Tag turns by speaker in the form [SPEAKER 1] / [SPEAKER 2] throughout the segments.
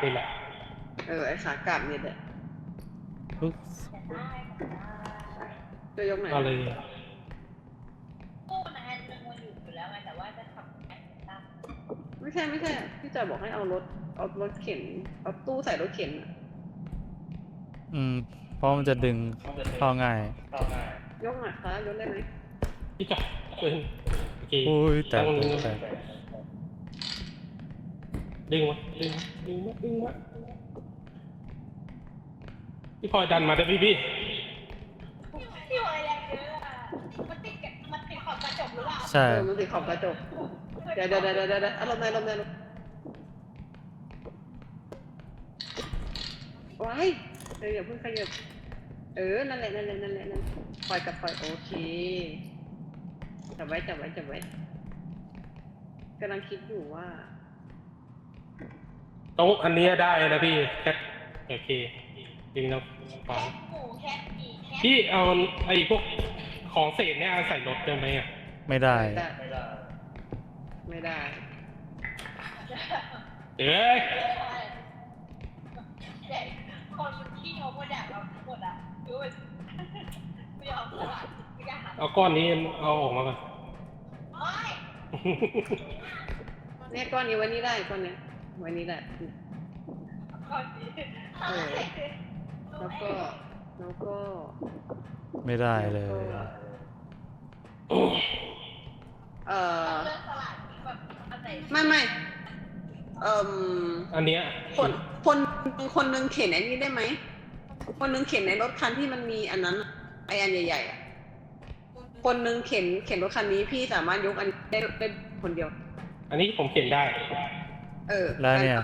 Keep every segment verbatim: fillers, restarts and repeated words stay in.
[SPEAKER 1] นี่แหละ
[SPEAKER 2] เออไอ้ขากลับเนี่ยแหละจะยกไหน
[SPEAKER 1] เอาเลย
[SPEAKER 3] ตู้นะแอนเป็นคนอยู่อยู่แล้วไงแต่ว่าจะทำแอนตั้ง
[SPEAKER 2] ไม่ใช่ไม่ใช่พี่จอยบอกให้เอารถเอารถเข็นเอาตู้ใส่รถเข็น
[SPEAKER 4] อืมเพราะมันจะดึงเข้าง่าย
[SPEAKER 2] ยกหน่อยคะยกได้ไหม
[SPEAKER 1] พี่จอยเป็นโอเค
[SPEAKER 4] โอ้ยแต่แต่
[SPEAKER 1] ดึงมาดึงดึงมาดึงมาพี่พลอยดันมาได้พี่พี่
[SPEAKER 3] พี่วายแรงเยอะอ่ะมันติดมันติดขอบกระจกหรือเปล่า
[SPEAKER 4] ใช่
[SPEAKER 2] เออมันติดขอบกระจกเดี๋ยวเดี๋ยวเดี๋ยวเดี๋ยวเดี๋ยวอารมณ์ในอารมณ์ในว้ายเอออย่าเพิ่งขยับเออนั่นแหละนั่นแหละนั่นแหละนั่นปล่อยกับปล่อยโอเคจับไว้จับไว้จับไว้กำลังคิดอยู่ว่า
[SPEAKER 1] ตรงอันนี้ได้นะพี่แคทโอเคดึงแล้วฟังพี่เอาไอ้พวกของเศษเนี่ยใส่รถได้ไหมอ่ะ
[SPEAKER 4] ไม่ได้
[SPEAKER 2] ไม่ได้
[SPEAKER 1] เอ้ย
[SPEAKER 3] คนที่เขาโมดเราหมดอ่ะคือไม่ยอมสลัดไม่กล้าหัน
[SPEAKER 1] เอาก้อนนี้เอาออกมาก่อน
[SPEAKER 2] เนี่ยก้อนนี้วันนี้ได้ก้อนนี้วันนี้แหละเออแล้วก็แล้วก็
[SPEAKER 4] ไม่ได้เลย
[SPEAKER 2] เออไม่ไม่เอ่อ
[SPEAKER 1] อันเนี้ย
[SPEAKER 2] คนคนคนนึงเข็นไอ้นี้ได้ไหมคนนึงเข็นในรถคันที่มันมีอันนั้นไออันใหญ่ๆอ่ะคนนึงเข็นเข็นรถคันนี้พี่สามารถยกอันได้ได้คนเดียว
[SPEAKER 1] อันนี้ผมเข็นได้
[SPEAKER 2] เออ
[SPEAKER 4] แล้วเนี่ย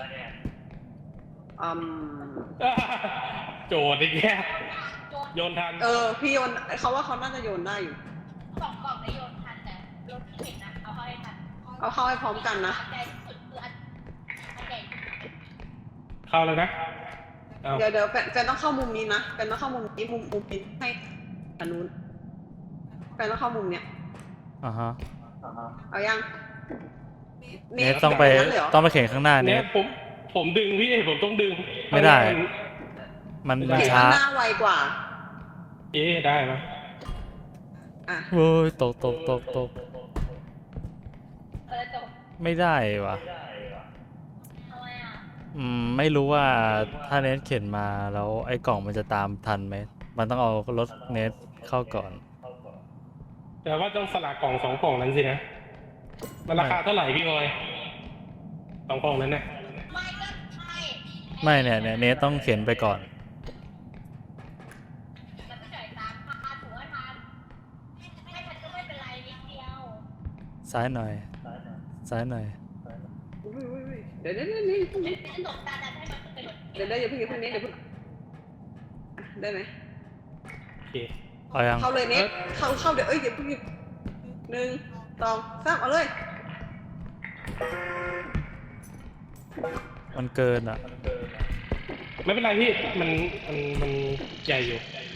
[SPEAKER 2] อืม
[SPEAKER 1] โจดอีกแค่โยนทัน
[SPEAKER 2] เออพี่โยนเขาว่าเขาน่าจะโยนได้อยู่
[SPEAKER 3] สองกล่องได้โยนทันแต่รถเข็นนะเอาเข้าให้ทัน
[SPEAKER 2] เอาเข้าให้พร้อมกันนะ
[SPEAKER 1] เข้าแล้วนะ
[SPEAKER 2] เดี๋ยวเดี๋ยวแฟนต้องเข้ามุมนี้นะแฟนต้องเข้ามุมนี้มุมมุมนี้ให้อันนู้นแฟนต้องเข้ามุมเนี้ย
[SPEAKER 4] อ่าฮะ
[SPEAKER 2] เอายัง
[SPEAKER 4] เนทต้องไปต้องไปเข็นข้างหน้าเนท
[SPEAKER 1] ผมผมดึงพี่ผมต้องดึง
[SPEAKER 4] ไม่ได้มันมันช้า
[SPEAKER 2] หน้าไวกว่า
[SPEAKER 1] เอ๊ะได้ไหม
[SPEAKER 2] อ่ะ
[SPEAKER 4] โอ้ยตกตกตกตกไม่ได้วะอืมไม่รู้ว่าถ้าเนทเข็นมาแล้วไอ้กล่องมันจะตามทันไหมมันต้องเอารถเนทเข้าก่อน
[SPEAKER 1] แต่ว่าต้องสลักกล่องสองกล่องนั้นสินะมันราคาเท่าไหร่พี่บอยสองกล่องนั้นเนี่ย
[SPEAKER 4] ไม่เนี่ยเนี่ยเนทต้องเข็นไปก่อนซ้ายหน่อยซ้ายหน่อย
[SPEAKER 2] เดี๋ยวเดี๋ยวเดี๋ยวเดี๋ยวเดี๋ยวเดี๋ยวอย่าเพิ่งอย่าเพิ่งเน็ตเดี๋ยวเพิ่งได้ไหม
[SPEAKER 1] โอเค
[SPEAKER 4] เอายัง
[SPEAKER 2] เข้าเลยเน็ตเข้าเข้าเดี๋ยวเอ้ยอย่าเพิ่งหนึ่งสองสามเอาเลย
[SPEAKER 4] มันเกินอ่ะ
[SPEAKER 1] ไม่เป็นไรพี่มันมันมันใหญ่อยู่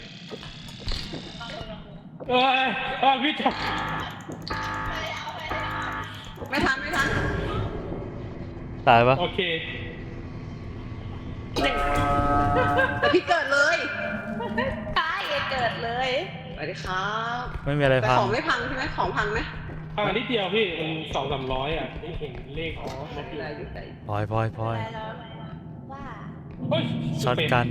[SPEAKER 1] เอ้ยเอ้ยพี่จับ
[SPEAKER 2] ไม่ทันไม่ทัน
[SPEAKER 4] ตายปะ
[SPEAKER 1] โอเค
[SPEAKER 2] แต่พี่เกิดเลย
[SPEAKER 3] ใช่เกิดเลย
[SPEAKER 2] สวัสดีครับ
[SPEAKER 4] ไม่มีอะไรพัง
[SPEAKER 2] ของไม่พังใช่ไหมของพังไหม
[SPEAKER 1] พังนิดเดียวพี่มันสองสามร้อยอ่ะไม่เห็นเลขอ๋อ
[SPEAKER 2] ได้อยู่ได้
[SPEAKER 4] พลอยพลอยพลอย
[SPEAKER 3] ว่า
[SPEAKER 4] ช็อตกัน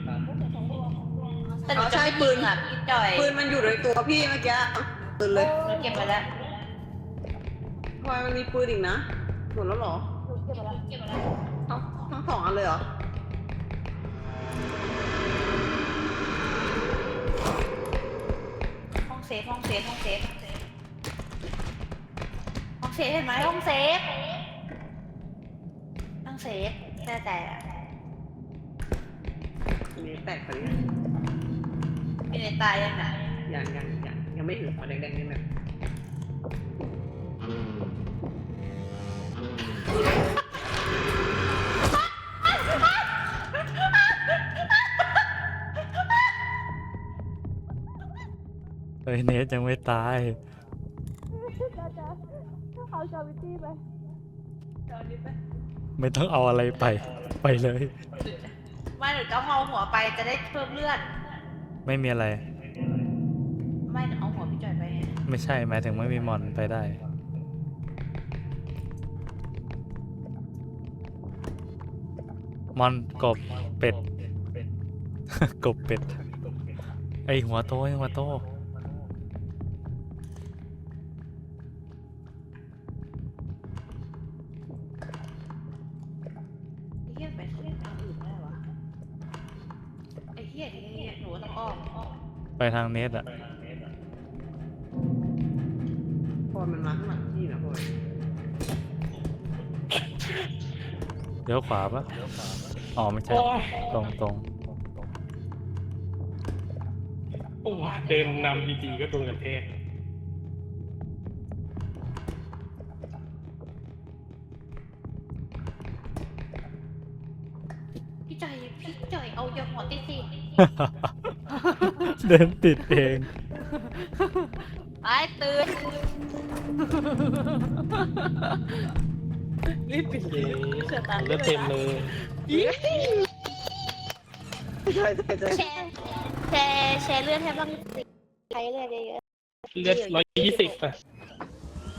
[SPEAKER 2] เราใช้ปืน
[SPEAKER 3] ค่ะพี่จอย
[SPEAKER 2] ปืนมันอยู่ในตัวพี่เมื่อกี้ปืนเลย
[SPEAKER 3] เก็บมาแล้ว
[SPEAKER 2] พลอยมันมีปืนอีกนะหมดแล้วหรอ
[SPEAKER 3] เก็บมาแล้วเก็บมาแล้ว
[SPEAKER 2] ทั้งทั้งสองอันเลยเหรอ
[SPEAKER 3] ห้องเซฟห้องเซฟห้องเซฟห้องเซฟเห็นไหมห้องเซฟห้องเซฟแต่แต่
[SPEAKER 2] นี่แตกไปเลย
[SPEAKER 3] เป็นตายยังไง
[SPEAKER 2] ยังยังยังยังไม่เห็นมาแดงๆนี่นะ
[SPEAKER 4] เฮ้ยเนทยังไม่ตาย
[SPEAKER 3] เขาชอบวิตี้ไป
[SPEAKER 2] ชอบวิตี้ไป
[SPEAKER 4] ไม่ต้องเอาอะไรไป ไปเลย
[SPEAKER 3] ไม่หนูจะเอาหัวไปจะได้เพิ่มเลือด
[SPEAKER 4] ไม่มีอะไร
[SPEAKER 3] ไม่หนูเอาหัวพี่จอยไปไง
[SPEAKER 4] ไม่ใช่หมายถึงไม่มีมอนไปได้ มอนกบเป็ด กบเป็ด ไอหัวโตไอหัวโต
[SPEAKER 3] ไอ้เหี้ยไปเล่นทางอื่นได้วะไอ้เหี้ยทีนี้หนูต้องอ้อมอ้อม
[SPEAKER 4] ไปทางเนสอะ
[SPEAKER 2] พอมันมาข้างหลังพี่นะพอย
[SPEAKER 4] เลี้ยวขวาปะอ๋อไม่ใช่
[SPEAKER 1] โอ้ย
[SPEAKER 4] ตรงตรง
[SPEAKER 1] โอ้ยเดินนำดีๆก็โดนกระแทก
[SPEAKER 3] พี่จอยพี่จอยเอาอย่าหัวติดสิ
[SPEAKER 4] เดินติดเอง
[SPEAKER 3] ไอ้ตื่น
[SPEAKER 1] รีบปิดเลยเลือดเต็มเลย
[SPEAKER 2] ใช่ใช่ใช่
[SPEAKER 3] แชร์แชร์แชร์เลือดให้บ้างสิใช้เลือดเยอะ
[SPEAKER 1] เลือดร้อยยี่สิบอ่ะ
[SPEAKER 3] ๆ